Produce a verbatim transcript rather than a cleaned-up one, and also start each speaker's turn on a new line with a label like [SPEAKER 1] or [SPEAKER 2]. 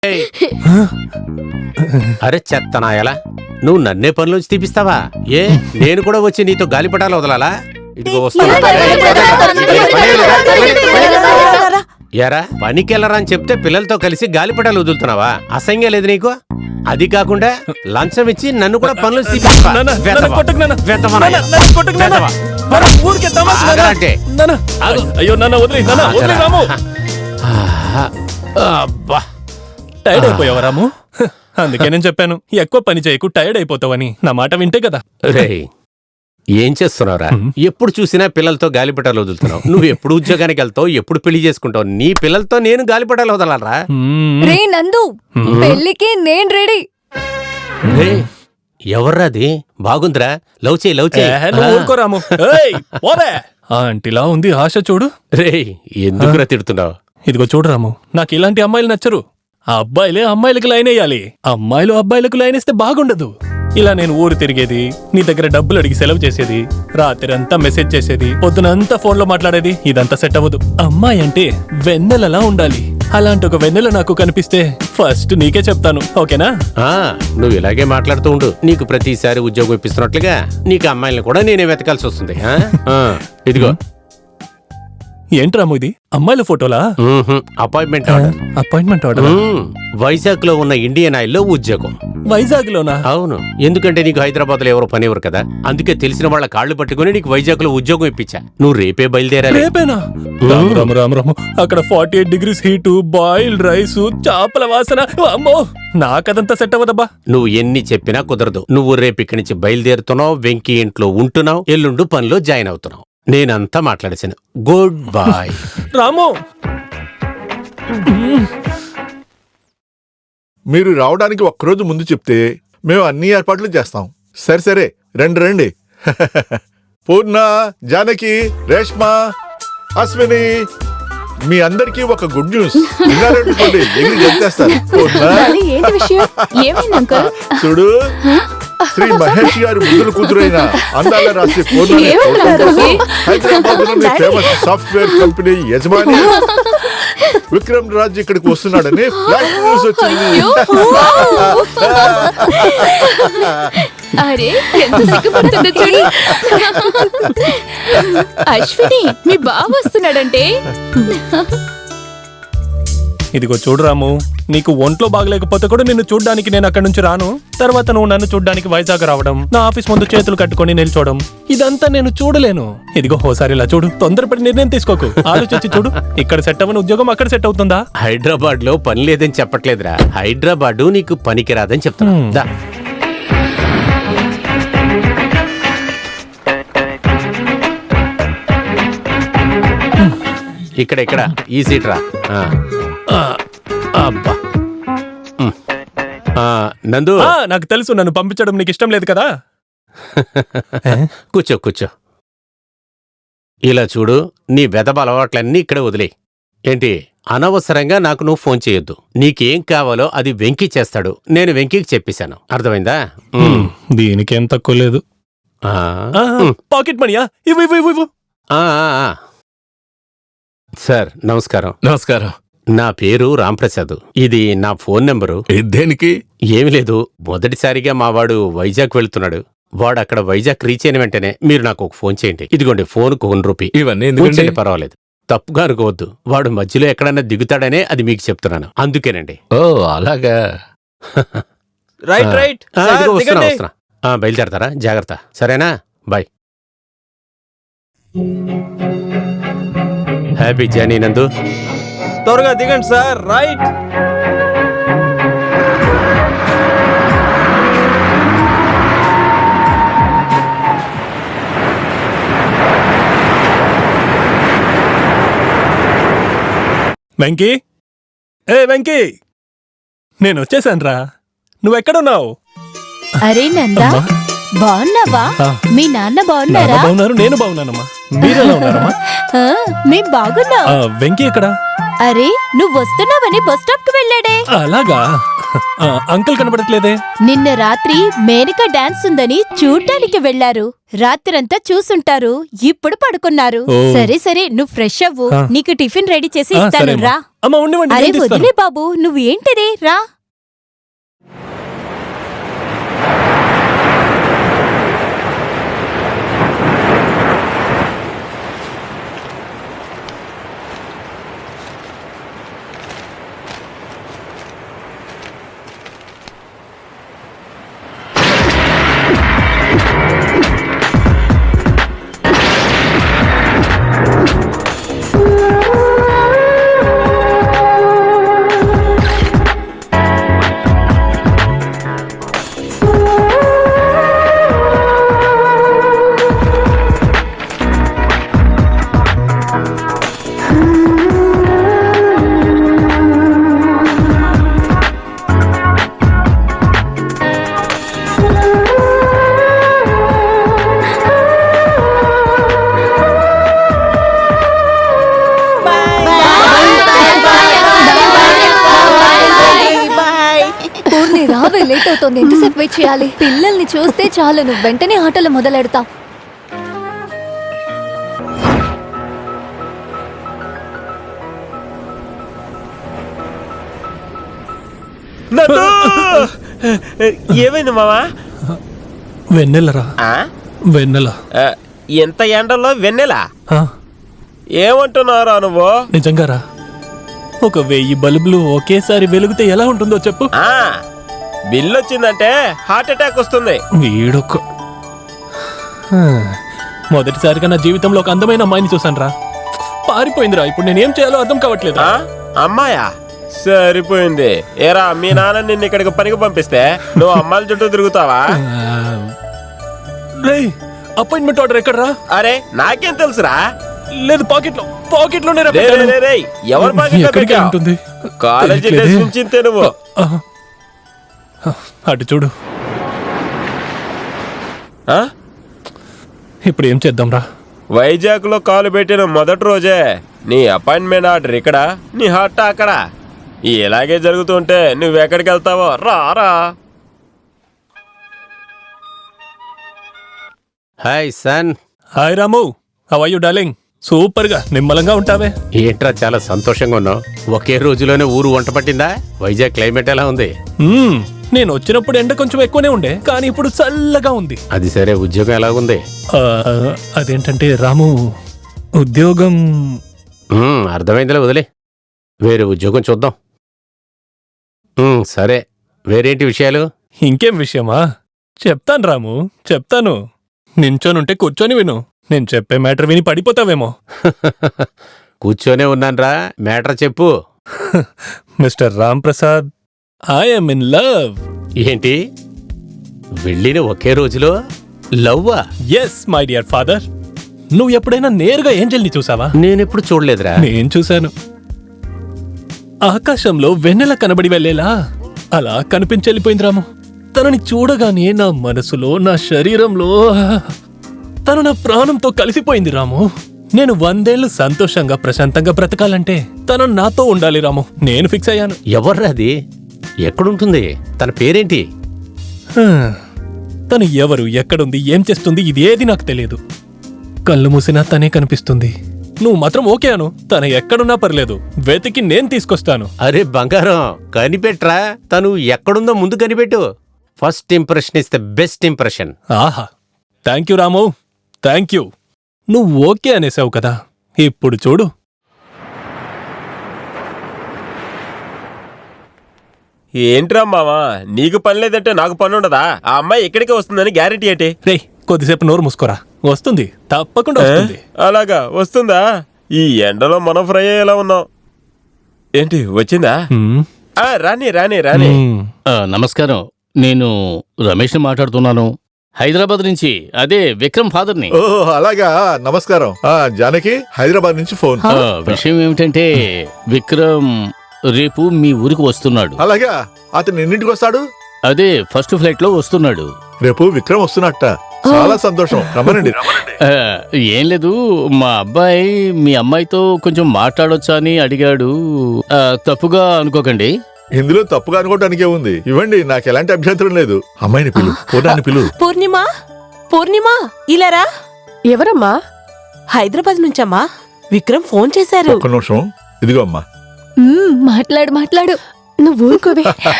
[SPEAKER 1] అరే చెత్తనాయలా, నువ్వు నన్నే పనిలోంచి తీపిస్తావా? ఏ నేను కూడా వచ్చి నీతో గాలిపటాలు వదలాలా? ఇదిగో వస్తున్నా. ఎరా పనికెళ్ళరా అని చెప్తే పిల్లలతో కలిసి గాలిపటాలు వదులుతున్నావా? అసహ్యంగా లేదు నీకు? అది కాకుండా లంచం ఇచ్చి నన్ను కూడా పనులు
[SPEAKER 2] టైర్డ్ అయిపోయావా రాము? అందుకే నేను చెప్పాను ఎక్కువ పని చేయకు, టైర్డ్ అయిపోతావని. నా మాట వింటే కదా.
[SPEAKER 1] రే ఏం చేస్తున్నావురా? ఎప్పుడు చూసినా పిల్లలతో గాలిపటాలు వదులుతున్నావు. నువ్వు ఎప్పుడు ఉద్యోగానికి వెళ్తావు, ఎప్పుడు పెళ్లి చేసుకుంటావు? నీ పిల్లలతో నేను గాలిపటాలు వదలాలరా?
[SPEAKER 3] రే నందు, పెళ్లికి నేను రెడీ.
[SPEAKER 1] ఎవర్రాది? బాగుందిరా, లవ్ చేయి లవ్ చేయి.
[SPEAKER 2] రాము ఆంటీలా ఉంది ఆశ చూడు.
[SPEAKER 1] రే ఎందుకురా తిడుతున్నావు?
[SPEAKER 2] ఇదిగో చూడు రాము, నాకు ఇలాంటి అమ్మాయిలు నచ్చరు. ఆ అబ్బాయిలే అమ్మాయిలకు లైన్ వేయాలి. అమ్మాయిలు అబ్బాయిలకు లైన్ వేస్తే బాగుండదు. ఇలా నేను ఊరు తిరిగేది, నీ దగ్గర డబ్బులు అడిగి సెలవు చేసేది, రాత్రి అంతా మెసేజ్ చేసేది, పొద్దునంతా ఫోన్ లో మాట్లాడేది, ఇదంతా సెట్ అవ్వదు. అమ్మాయి అంటే వెన్నెలలా ఉండాలి. అలాంటి ఒక వెన్నెల నాకు కనిపిస్తే ఫస్ట్ నీకే చెప్తాను, ఓకేనా?
[SPEAKER 1] నువ్వు ఇలాగే మాట్లాడుతూ ఉండు. నీకు ప్రతిసారి ఉద్యోగం ఇప్పిస్తున్నట్లుగా నీకు అమ్మాయిలను కూడా నేనే వెతకాల్సి వస్తుంది. ఇదిగో
[SPEAKER 2] ఏంట్రాము ఇది? అమ్మాయిల ఫోటోలా?
[SPEAKER 1] Appointment order.
[SPEAKER 2] Appointment order?
[SPEAKER 1] Vizag లో ఉన్న ఇండియన్ ఆయిల్ లో ఉద్యోగం.
[SPEAKER 2] వైజాగ్ లోనా?
[SPEAKER 1] అవును, ఎందుకంటే నీకు హైదరాబాద్ లో ఎవరో పనివ్వరు కదా, అందుకే తెలిసిన వాళ్ళ కాళ్ళు పట్టుకుని నీకు వైజాగ్ లో ఉద్యోగం ఇప్పించా. నువ్వు రేపే బయలుదేరాలి.
[SPEAKER 2] రేపేనా? రాము రాము రాము రాము, అక్కడ forty eight degrees heat, boiled rice, చేపల వాసన. అమ్మో, నాకదంతా సెట్ అవ్వదబ్బా.
[SPEAKER 1] నువ్వు ఎన్ని చెప్పినా కుదరదు. నువ్వు రేపు ఇక్కడి నుంచి బయలుదేరుతున్నావు, వెంకీ ఇంట్లో ఉంటున్నావు, ఎల్లుండు పనిలో జాయిన్ అవుతున్నావు. నేనంతా మాట్లాడేశాను. Good bye.
[SPEAKER 2] రాము,
[SPEAKER 4] మీరు రావడానికి ఒక్కరోజు ముందు చెప్తే మేము అన్ని ఏర్పాట్లు చేస్తాం. సరే సరే రండి రండి. పూర్ణ, జానకి, రేష్మ, అశ్విని, మీ అందరికీ ఒక గుడ్ న్యూస్. విన్నారనుకోండి, ఎగిరి చెప్పేస్తారు. చూడు, శ్రీ మహేష్ గారి ముద్దుల కూతురైన అందాల రాశి పూర్ణ హైదరాబాద్ లోని ఫేమస్ సాఫ్ట్వేర్ కంపెనీ యజమాని విక్రమ్ రాజ్ ఇక్కడికి వస్తున్నాడని ఫ్లాష్ న్యూస్ వచ్చింది.
[SPEAKER 3] అరే ఎంత సిగ్గుపడుతుందో చూడు. అశ్విని, మీ బావ వస్తున్నాడంటే.
[SPEAKER 2] ఇదిగో చూడు రాము, నీకు ఒంట్లో బాగలేకపోతే కూడా నిన్ను చూడ్డానికి నేను అక్కడి నుంచి రాను. తర్వాత నువ్వు నన్ను చూడ్డానికి వైజాగ్ రావడం, నా ఆఫీస్ ముందు చేతులు కట్టుకొని నిల్చోవడం, ఇదంతా నేను చూడలేను. ఇదిగో ఓసారి ఇలా చూడు, తొందరపడి నిర్ణయం తీసుకోకు, ఆలోచించి చూడు. ఇక్కడ సెట్ అవ్వని ఉద్యోగం అక్కడ సెట్ అవుతుందా?
[SPEAKER 1] హైదరాబాద్ లో పని లేదని చెప్పట్లేదురా, హైదరాబాద్ నీకు పనికి రాదని చెప్తున్నా. ఇక్కడ ఇక్కడ ఈ సీట్ రా. అబ్బా నందు,
[SPEAKER 2] నాకు తెలుసు నన్ను పంపించడం నీకు ఇష్టం లేదు కదా.
[SPEAKER 1] కూర్చో కూర్చో. ఇలా చూడు, నీ వెదబ అలవాట్లన్నీ ఇక్కడే వదిలే. ఏంటి అనవసరంగా నాకు నువ్వు ఫోన్ చేయొద్దు. నీకేం కావాలో అది వెంకీ చేస్తాడు. నేను వెంకీకి చెప్పేశాను, అర్థమైందా?
[SPEAKER 2] దీనికేం తక్కువ లేదు. పాకెట్ మనీయా? ఇవ్వు ఇవ్వు ఇవ్వు.
[SPEAKER 1] సార్ నమస్కారం.
[SPEAKER 5] నమస్కారం.
[SPEAKER 1] నా పేరు రాంప్రసాద్. ఇది నా ఫోన్ నెంబరు.
[SPEAKER 5] దేనికి?
[SPEAKER 1] ఏమి లేదు, మొదటిసారిగా మా వాడు వైజాగ్ వెళ్తున్నాడు. వాడు అక్కడ వైజాగ్ రీచ్ అయిన వెంటనే మీరు నాకు ఒక ఫోన్ చేయండి. ఇదిగోండి ఫోన్కు వన్ రూపీ.
[SPEAKER 5] ఇవన్నీ ఎందుకండి?
[SPEAKER 1] పర్వాలేదు, తప్పుగా అనుకోవద్దు. వాడు మధ్యలో ఎక్కడన్నా దిగుతాడనే అది మీకు చెప్తున్నాను, అందుకేనండి.
[SPEAKER 5] ఓ అలాగా.
[SPEAKER 2] Right right.
[SPEAKER 1] వస్తున్నా వస్తున్నా. బయలుదేరతారా? జాగ్రత్త, సరేనా? బాయ్. హ్యాపీ జర్నీ నందు.
[SPEAKER 2] త్వరగా దిగండి సార్. రైట్. వెంకీ, ఏ వెంకీ, నేను వచ్చేసాను రా. నువ్వెక్కడున్నావు?
[SPEAKER 3] అరే నందా, బాగున్నావా? మీ నాన్న బాగున్నారా?
[SPEAKER 2] బాగున్నారు, నేను బాగున్నానమ్మా. మీరెలా ఉన్నారమ్మా?
[SPEAKER 3] మేం బాగున్నాం.
[SPEAKER 2] వెంకీ ఎక్కడా?
[SPEAKER 3] అరే నువ్వు వస్తున్నావని బస్ స్టాప్ కు వెళ్ళాడే.
[SPEAKER 2] అలాగా? ఆ, అంకుల్ కనబడట్లేదే.
[SPEAKER 6] నిన్న రాత్రి మేనక డాన్స్ ఉందని చూడ్డానికి వెళ్లారు. రాత్రంతా చూసుంటారు, ఇప్పుడు పడుకున్నారు.
[SPEAKER 2] ఓ.
[SPEAKER 6] సరే సరే, నువ్వు ఫ్రెష్ అవ్వు,
[SPEAKER 2] ఆ.
[SPEAKER 6] నీకు టిఫిన్ రెడీ చేసి
[SPEAKER 2] ఆ,
[SPEAKER 6] ఇస్తాను.
[SPEAKER 2] సరే అమ్మా.
[SPEAKER 6] రా.
[SPEAKER 2] అమ్మ ఉండివ్వండి,
[SPEAKER 6] అరే
[SPEAKER 2] నేను తీస్తాను.
[SPEAKER 6] వదిలే బాబు, నువ్వు ఏంటిది, రా.
[SPEAKER 3] పూర్ణి రావే, లేట్ అవుతోంది. ఎంతసేపు వెయిట్ చేయాలి? పిల్లల్ని చూస్తే చాలు నువ్వు వెంటనే ఆటలు మొదలెడతావు.
[SPEAKER 7] ఏమైంది మావా?
[SPEAKER 2] వెన్నెలరా,
[SPEAKER 7] ఆ?
[SPEAKER 2] వెన్నెల.
[SPEAKER 7] ఆ, ఎంత ఎండలో వెన్నెలా?
[SPEAKER 2] ఆ,
[SPEAKER 7] ఏమంటున్నారా నువ్వు?
[SPEAKER 2] నిజంగారా, ఒక వెయ్యి బల్బులు ఒకేసారి వెలుగుతే ఎలా ఉంటుందో చెప్పు.
[SPEAKER 7] ఆ బిల్లు వచ్చిందంటే హార్ట్ అటాక్ వస్తుంది.
[SPEAKER 2] వీడొక్క హా, మొదటిసారిగా నా జీవితంలో ఒక అందమైన అమ్మాయిని చూసానురా. పారిపోయిందిరా. ఇప్పుడు నేనేం చేయాలో అర్థం కావట్లేదు.
[SPEAKER 7] ఆ అమ్మాయా? సరిపోయింది. ఏరా, మీ నాన్న నిన్ను ఇక్కడికి పనికి పంపిస్తే నువ్వు అమ్మాయిల చుట్టూ తిరుగుతావా?
[SPEAKER 2] రేయ్, అపాయింట్మెంట్ ఆర్డర్ ఎక్కడరా?
[SPEAKER 7] అరే నాకేం తెలుసురా?
[SPEAKER 2] లేదు, పాకెట్ లో పాకెట్ లోనే రా
[SPEAKER 7] రే,
[SPEAKER 2] పెట్టాను.
[SPEAKER 7] రే, రే, ఎవరి పాకెట్లో
[SPEAKER 2] ఎక్కడికి
[SPEAKER 7] పెట్టావ్?
[SPEAKER 2] ఉంటుంది?
[SPEAKER 7] కాలేజీ
[SPEAKER 2] తెలియట్లేదే.
[SPEAKER 7] డ్రెస్ నుంచి ఇంతే నువ్వు.
[SPEAKER 2] ఆ, అటు చూడు.
[SPEAKER 7] ఆ?
[SPEAKER 2] ఇప్పుడు ఏం చేద్దాంరా?
[SPEAKER 7] వైజాగ్ లో కాలు పెట్టిన మొదటి రోజే నీ అపాయింట్మెంట్ ఆర్డర్ ఇక్కడ, నీ హార్ట్ అక్కడ. ఇలాగే జరుగుతుంటే నువ్వెక్కడికి వెళ్తావో రారా.
[SPEAKER 1] Hi son.
[SPEAKER 2] Hi Ramu, how are you darling? Super గా నిమ్మలంగా ఉంటావే.
[SPEAKER 1] ఏంట్రా చాలా సంతోషంగా ఉన్నావు? ఒకే రోజులోనే ఊరు వంట పట్టిందా? వైజాగ్ క్లైమేట్ ఎలా ఉంది?
[SPEAKER 2] మ్మ్, నేను వచ్చినప్పుడు ఎండ కొంచెం ఎక్కువనే ఉండే, కానీ ఇప్పుడు చల్లగా ఉంది.
[SPEAKER 1] అది సరే, ఉద్యోగం ఎలాగుంది?
[SPEAKER 2] ఆ, అదేంటంటే రాము, ఉద్యోగం
[SPEAKER 1] ఉమ్, అర్థమైందిలే, వదిలే. వేరే ఉద్యోగం చూద్దాం. ఉమ్, సరే, వేరేంటి విషయాలు?
[SPEAKER 2] ఇంకేం విషయమా? చెప్తాను రాము, చెప్తాను. నించోనుంటే కూర్చొని విను. నేను చెప్పే మ్యాటర్ విని పడిపోతావేమో.
[SPEAKER 1] కూర్చొనే ఉన్నాన్రా, మ్యాటర్ చెప్పు.
[SPEAKER 2] Mister Ram Prasad, I'm in love.
[SPEAKER 1] ఏంటి, వెళ్ళిన ఒకే రోజులో లవ్వా?
[SPEAKER 2] Yes my dear father. నువ్వు ఎప్పుడైనా నేరుగా ఏంజెల్ని చూసావా?
[SPEAKER 1] నేనెప్పుడు చూడలేదురా.
[SPEAKER 2] నేను చూశాను. ఆకాశంలో వెన్నెల కనబడి వెళ్ళేలా అలా కనిపించెళ్ళిపోయింది రాము. తనని చూడగానే నా మనసులో, నా శరీరంలో తను నా ప్రాణంతో కలిసిపోయింది రాము. నేను వందేళ్లు సంతోషంగా ప్రశాంతంగా బ్రతకాలంటే తను నాతో ఉండాలి రాము. నేను ఫిక్స్ అయ్యాను.
[SPEAKER 1] ఎవర్రా అది? ఎక్కడుంటుంది? తన పేరేంటి?
[SPEAKER 2] హా, తను ఎవరు, ఎక్కడుంది, ఏం చేస్తుంది, ఇదేది నాకు తెలియదు. కళ్ళు మూసినా తనే కనిపిస్తుంది. నువ్వు మాత్రం ఓకే అను. తను ఎక్కడున్నా పర్లేదు, వెతికి నేను తీసుకొస్తాను.
[SPEAKER 1] అరే బంగారం, కనిపెట్రా. తను ఎక్కడుందో ముందు కనిపెట్టు. First impression is the best impression.
[SPEAKER 2] ఆహా, thank you Ramu, thank you. నువ్వు ఓకే అనేసావు కదా, ఇప్పుడు చూడు.
[SPEAKER 7] ఏంట్రా మావా, నీకు పని లేదంటే నాకు పని ఉండదా? ఆ అమ్మాయి ఇక్కడికే వస్తుందని గ్యారెంటీ ఏంటి?
[SPEAKER 2] రేయ్, కొద్దిసేపు నోరు మూసుకోరా. వస్తుంది, తప్పకుండా వస్తుంది.
[SPEAKER 7] అలాగా వస్తుందా? ఈ ఎండలో మనం ఫ్రై అయ్యేలా ఉన్నాం. ఏంటి వచ్చిందా?
[SPEAKER 2] హ్మ్.
[SPEAKER 7] ఆ, రాని రాని రాని
[SPEAKER 2] హ్మ్.
[SPEAKER 5] ఆ, నమస్కారం, నేను రమేష్ని మాట్లాడుతున్నాను, హైదరాబాద్ నుంచి. అదే విక్రమ్ ఫాదర్ని.
[SPEAKER 4] ఓ అలాగా, నమస్కారం. ఆ జానకి, హైదరాబాద్ నుంచి ఫోన్.
[SPEAKER 5] ఆ, విషయం ఏమిటంటే విక్రమ్ రేపు మీ ఊరికి వస్తున్నాడు.
[SPEAKER 4] అలాగా, అతను ఎన్నింటికి వస్తాడు?
[SPEAKER 5] అదే ఫస్ట్ ఫ్లైట్ లో వస్తున్నాడు.
[SPEAKER 4] రేపు విక్రమ్ వస్తున్నట్ట. చాలా సంతోషం. రమ్మనండి రమ్మనండి.
[SPEAKER 5] ఆ, ఏం లేదు, మా అబ్బాయి మీ అమ్మాయితో కొంచెం మాట్లాడొచ్చా అని అడిగాడు. ఆ, తప్పుగా అనుకోకండి.
[SPEAKER 4] ఇందులో తప్పుగా అనుకోవటానికే ఉంది. ఇవ్వండి, నాకు ఎలాంటి అభ్యంతరం లేదు. అమ్మాయిని పిలు, పూర్ణాన్ని పిలు.
[SPEAKER 8] పూర్ణిమ పూర్ణిమ ఇలారా.
[SPEAKER 9] ఎవరమ్మా?
[SPEAKER 8] హైదరాబాద్ నుంచమ్మా. విక్రమ్ ఫోన్ చేశారు.
[SPEAKER 4] ఒక్క నిమిషం, ఇదిగో అమ్మా.
[SPEAKER 3] మ్మ్, మాట్లాడు మాట్లాడు.
[SPEAKER 9] నువ్వు ఊరుకోవే.